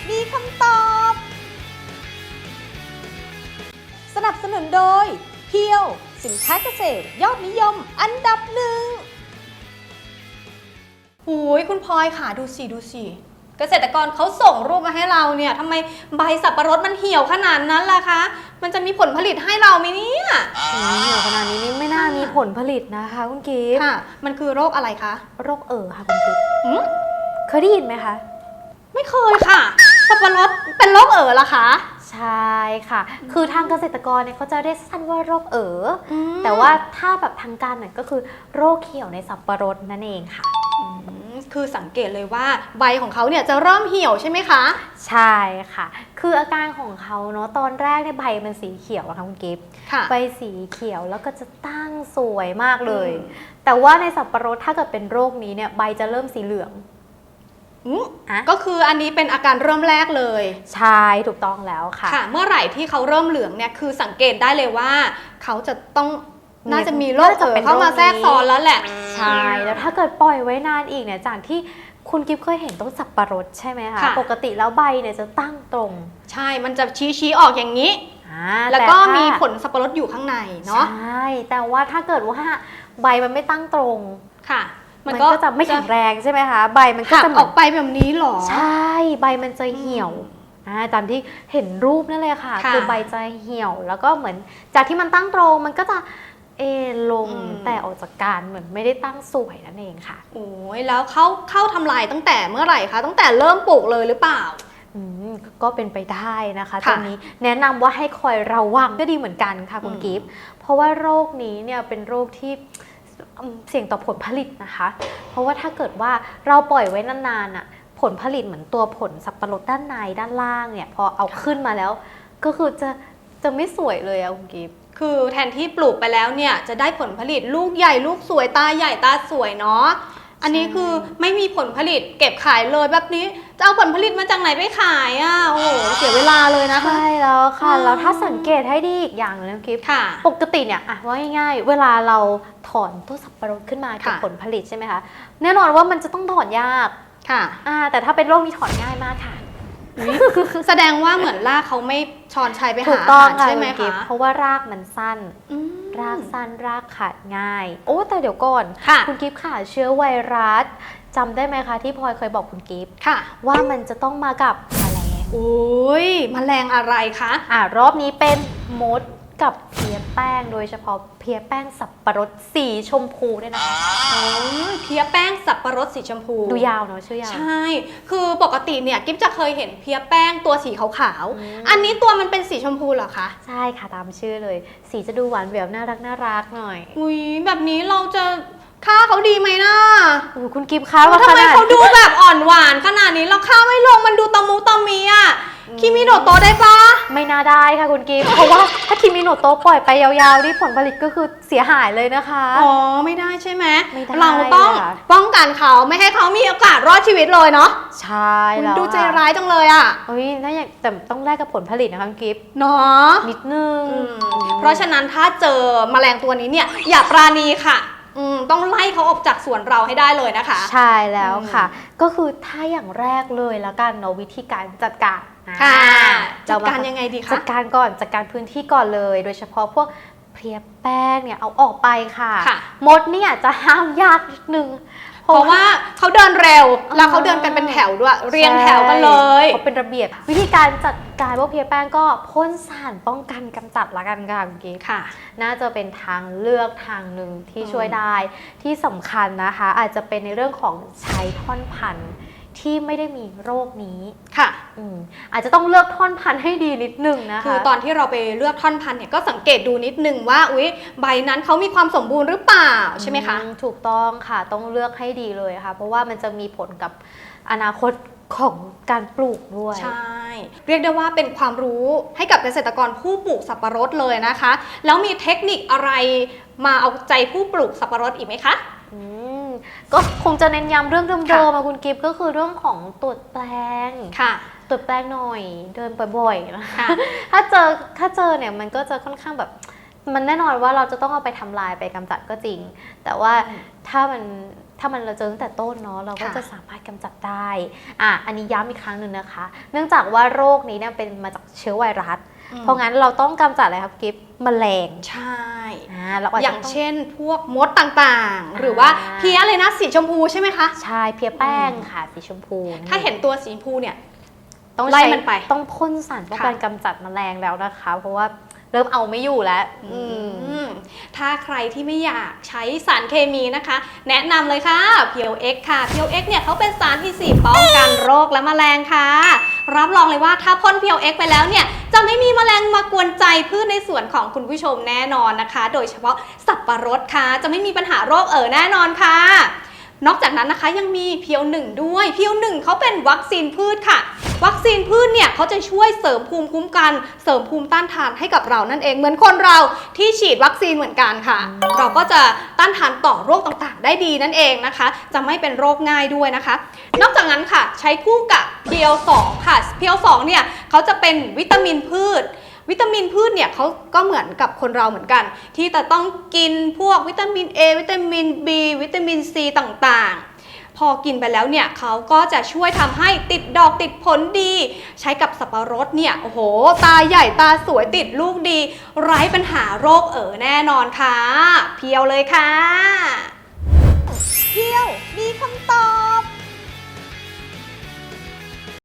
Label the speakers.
Speaker 1: มีคำตอบ สนับสนุนโดยเพียวสินค้าเกษตรยอดนิยมอันดับหนึ่งโอ้ยคุณพลอยค่ะดูสิเกษตรกรเขาส่งรูปมาให้เราเนี่ยทำไมใบสับปะรดมันเหี่ยวขนาดนั้นล่ะคะมันจะมีผลผลิตให้เราไหมเนี่ย
Speaker 2: เหี่ยวขนาดนี้นี่ไม่น่ามีผลผลิตนะคะคุณกิฟต์
Speaker 1: ค่ะมันคือโรคอะไรคะ
Speaker 2: โรคค่ะคุณกิฟต์เคยได้ยินไหมคะ
Speaker 1: ไม่เคยค่ะสับปะรดเป็นโรคล่ะคะ
Speaker 2: ใช่ค่ะคือทางเกษตรกรเนี่ยเขาจะเรียกสั้นว่าโรคแต่ว่าถ้าแบบทางการเนี่ยก็คือโรคเหี่ยวในสับปะรดนั่นเองค่ะ
Speaker 1: คือสังเกตเลยว่าใบของเขาเนี่ยจะเริ่มเหี่ยวใช่ไหมคะ
Speaker 2: ใช่ค่ะคืออาการของเขาเนาะตอนแรกเนี่ยใบมันสีเขียวอะค่ะคุณกิฟต์ใบสีเขียวแล้วก็จะตั้งสวยมากเลยแต่ว่าในสับปะรดถ้าเกิดเป็นโรคนี้เนี่ยใบจะเริ่มสีเหลือง
Speaker 1: ก็คืออันนี้เป็นอาการเริ่มแรกเลย
Speaker 2: ใช่ถูกต้องแล้วค่ะ
Speaker 1: เมื่อไหร่ที่เขาเริ่มเหลืองเนี่ยคือสังเกตได้เลยว่าเขาจะต้องน่าจะมีโรคเข้ามาแทรกซ้อนแล้วแหละ
Speaker 2: ใช่แล้วถ้าเกิดปล่อยไว้นานอีกเนี่ยจากที่คุณกิฟเคยเห็นต้นสับปะรดใช่ไหมคะปกติแล้วใบเนี่ยจะตั้งตรง
Speaker 1: ใช่มันจะชี้ออกอย่างนี้แล้วก็มีผลสับปะรดอยู่ข้างในเนาะ
Speaker 2: ใช่แต่ว่าถ้าเกิดว่าใบมันไม่ตั้งตรง
Speaker 1: ค่ะ
Speaker 2: มันก็จะไม่แข็งแรงใช่ไหมคะใบมันก็จะ
Speaker 1: ออกไปแบบนี้หรอ
Speaker 2: ใช่ใบมันจะเหี่ยวตามที่เห็นรูปนั่นเลยค่ะคือใบจะเหี่ยวแล้วก็เหมือนจากที่มันตั้งตรงมันก็จะลงแต่ออกจากการเหมือนไม่ได้ตั้งสวยนั่นเองค่ะ
Speaker 1: โอ้ยแล้วเข้าทำลายตั้งแต่เมื่อไหร่คะตั้งแต่เริ่มปลูกเลยหรือเปล่า
Speaker 2: ก็เป็นไปได้นะคะตอนนี้แนะนำว่าให้คอยระวังก็ดีเหมือนกันค่ะคุณกิฟต์เพราะว่าโรคนี้เนี่ยเป็นโรคที่เสี่ยงต่อผลผลิตนะคะเพราะว่าถ้าเกิดว่าเราปล่อยไว้นานๆอ่ะผลผลิตเหมือนตัวผลสับปะรดด้านในด้านล่างเนี่ยพอเอาขึ้นมาแล้วก็คือจะไม่สวยเลยอะคุณกิฟต์
Speaker 1: คือแทนที่ปลูกไปแล้วเนี่ยจะได้ผลผลิตลูกใหญ่ลูกสวยตาใหญ่ตาสวยเนาะอันนี้คือไม่มีผลผลิตเก็บขายเลยแบบนี้จะเอาผลผลิตมาจากไหนไปขายอ่ะโอ้โหเสียเวลาเลยนะคะ
Speaker 2: ใช่แล้วค่ะแล้วถ้าสังเกตให้ดีอีกอย่างนึงกิฟต์ปกติเนี่ยว่าง่ายๆเวลาเราถอนต้นสับปะรดขึ้นมาเก็บผลผลิตใช่ไหมคะแน่นอนว่ามันจะต้องถอนยาก
Speaker 1: ค่ะ
Speaker 2: แต่ถ้าเป็นโรคนี้ถอนง่ายมากค่ะ
Speaker 1: แสดงว่าเหมือนรากเขาไม่ช้อนชัยไปหาอาหารใช่ไหมคะ
Speaker 2: เพราะว่ารากมันสั้นรากสั้นรากขาดง่ายโอ้แต่เดี๋ยวก่อนคุณกิฟต์ค่ะเชื้อไวรัสจำได้ไหมคะที่พลอยเคยบอกคุณกิฟต์ว่ามันจะต้องมากับแมลง
Speaker 1: โอ้ยแมลงอะไรคะ
Speaker 2: รอบนี้เป็นมดกับเพี้ยแป้งโดยเฉพาะเพี้ยแป้งสับปะรดสีชมพูด้วยนะคะ
Speaker 1: เพี้ยแป้งสับปะรดสีชมพู
Speaker 2: ดูยาวเนาะชื่อยาว
Speaker 1: ใช่คือปกติเนี่ยกิ๊บจะเคยเห็นเพี้ยแป้งตัวสีขาวๆอันนี้ตัวมันเป็นสีชมพูเหรอคะ
Speaker 2: ใช่ค่ะตามชื่อเลยสีจะดูหวานแหววน่ารักหน่อย
Speaker 1: อุ้ยแบบนี้เราจะฆ่าเขาดีไหมนะ
Speaker 2: คุณกิฟต์คะ
Speaker 1: ว่าทำไมเขาดูแบบอ่อนหวานขนาดนี้เราฆ่าไม่ลงมันดูตะมูตะมีอ่ะคิมิโนโตะได้ปะ
Speaker 2: ไม่น่าได้ค่ะคุณกิฟต์เพราะว่าถ้าคิมิโนโตะปล่อยไปยาวๆนี่ผลผลิตก็คือเสียหายเลยนะคะ
Speaker 1: ไม่ได้ใช่ไหมเราต้องป้องกันเขาไม่ให้เขามีโอกาสรอดชีวิตเลยเนาะ
Speaker 2: ใช่แล้ว
Speaker 1: ดูใจร้ายจังเลยอ่ะ
Speaker 2: น่าอยากแต่ต้องแลกกับผลผลิตนะคะคุณกิฟต์
Speaker 1: เนาะ
Speaker 2: นิดนึง
Speaker 1: เพราะฉะนั้นถ้าเจอแมลงตัวนี้เนี่ยอย่าปราณีค่ะต้องไล่เขาออกจากสวนเราให้ได้เลยนะคะ
Speaker 2: ใช่แล้วค่ะก็คือถ้าอย่างแรกเลยแล้วกันเนาะวิธีการจัดการ
Speaker 1: จัดการยังไงดีคะ
Speaker 2: จัดการก่อนจัดการพื้นที่ก่อนเลยโดยเฉพาะพวกเพลียแป้งเนี่ยเอาออกไปค่ะมดเนี่ยจะห้ามยากนิดนึง
Speaker 1: เพราะว่าเขาเดินเร็วแล้วเขาเดินกันเป็นแถวด้วยเรียงแถวกันเลย
Speaker 2: เขาเป็นระเบียบวิธีการจัดการพวกเพลียแป้งก็พ่นสารป้องกันกำจัดละกันค่ะคุณกิ๊ก
Speaker 1: ค่ะ
Speaker 2: น่าจะเป็นทางเลือกทางหนึ่งที่ช่วยได้ที่สำคัญนะคะอาจจะเป็นในเรื่องของใช้ท่อนพันธุ์ที่ไม่ได้มีโรคนี้
Speaker 1: ค่ะ
Speaker 2: อาจจะต้องเลือกท่อนพันธุ์ให้ดีนิดนึงนะคะ
Speaker 1: คือตอนที่เราไปเลือกท่อนพันธุ์เนี่ยก็สังเกตดูนิดนึงว่าใบนั้นเขามีความสมบูรณ์หรือเปล่าใช่ไหมคะ
Speaker 2: ถูกต้องค่ะต้องเลือกให้ดีเลยค่ะเพราะว่ามันจะมีผลกับอนาคตของการปลูกด้วย
Speaker 1: ใช่เรียกได้ว่าเป็นความรู้ให้กับเกษตรกรผู้ปลูกสับปะรดเลยนะคะแล้วมีเทคนิคอะไรมาเอาใจผู้ปลูกสับปะรดอีกไหมคะ
Speaker 2: ก็คงจะเน้นย้ำเรื่องเดิมๆคุณกิฟต์ก็คือเรื่องของตรวจแปลงตรวจแปลงหน่อยเดินบ่อยๆนะคะถ้าเจอเนี่ยมันก็จะค่อนข้างแบบมันแน่นอนว่าเราจะต้องเอาไปทำลายไปกำจัดก็จริงแต่ว่าถ้ามันถ้ามันเราเจอตั้งแต่ต้นเนาะเราก็
Speaker 1: ค่ะ
Speaker 2: จะสามารถกำจัดได้อันนี้ย้ำอีกครั้งหนึ่งนะคะ เนื่องจากว่าโรคนี้เนี่ยเป็นมาจากเชื้อไวรัสเพราะงั้นเราต้องกำจัดอะไรครับกิฟต์แมลง
Speaker 1: ใช่
Speaker 2: เราอาจ
Speaker 1: อ
Speaker 2: จะ
Speaker 1: ย่าง
Speaker 2: ต้อง
Speaker 1: เช่นพวกมดต่างๆ หรือว่าเพี้ยอะไรนะสีชมพูใช่ไหมคะ
Speaker 2: ใช่เพียแป้งค่ะสีชมพู
Speaker 1: ถ้าเห็นตัวสีชมพูเนี่ย
Speaker 2: ต้อง
Speaker 1: ไล่
Speaker 2: ใช้
Speaker 1: มันไป
Speaker 2: ต้องพ่นสารป้องกันกำจัดแมลงแล้วนะคะ เพราะว่าเริ่มเอาไม่อยู่แล้ว
Speaker 1: ถ้าใครที่ไม่อยากใช้สารเคมีนะคะ แนะนำเลยค่ะเพียวเอ็กค่ะเพียวเอ็กเนี่ยเขาเป็นสารที่4ป้องกันโรคและแมลงค่ะ รับรองเลยว่าถ้าพ่นเพียวเอ็กไปแล้วเนี่ยจะไม่มีแมลงมากวนใจพืชในสวนของคุณผู้ชมแน่นอนนะคะ โดยเฉพาะสับปะรดค่ะจะไม่มีปัญหาโรคแน่นอนค่ะ นอกจากนั้นนะคะยังมีเพียว1ด้วยเพียว1เขาเป็นวัคซีนพืชค่ะ วัคซีนพืชเนี่ยเขาจะช่วยเสริมภูมิคุ้มกันเสริมภูมิต้านทานให้กับเรานั่นเองเหมือนคนเราที่ฉีดวัคซีนเหมือนกันค่ะ เราก็จะต้านทานต่อโรคต่างๆ ได้ดีนั่นเองนะคะ จะไม่เป็นโรคง่ายด้วยนะคะ นอกจากนั้นค่ะใช้คู่กับเพียว2ค่ะเพียว2เนี่ยเขาจะเป็นวิตามินพืช วิตามินพืชเนี่ยเขาก็เหมือนกับคนเราเหมือนกัน ที่จะต้องกินพวกวิตามิน A วิตามิน B วิตามิน C ต่างๆ พอกินไปแล้วเนี่ยเขาก็จะช่วยทำให้ติดดอกติดผลดี ใช้กับสับปะรดเนี่ยโอ้โหตาใหญ่ตาสวยติดลูกดี ไร้ปัญหาโรคแน่นอนค่ะ เพียวเลยค่ะ เพียวมีคำตอบ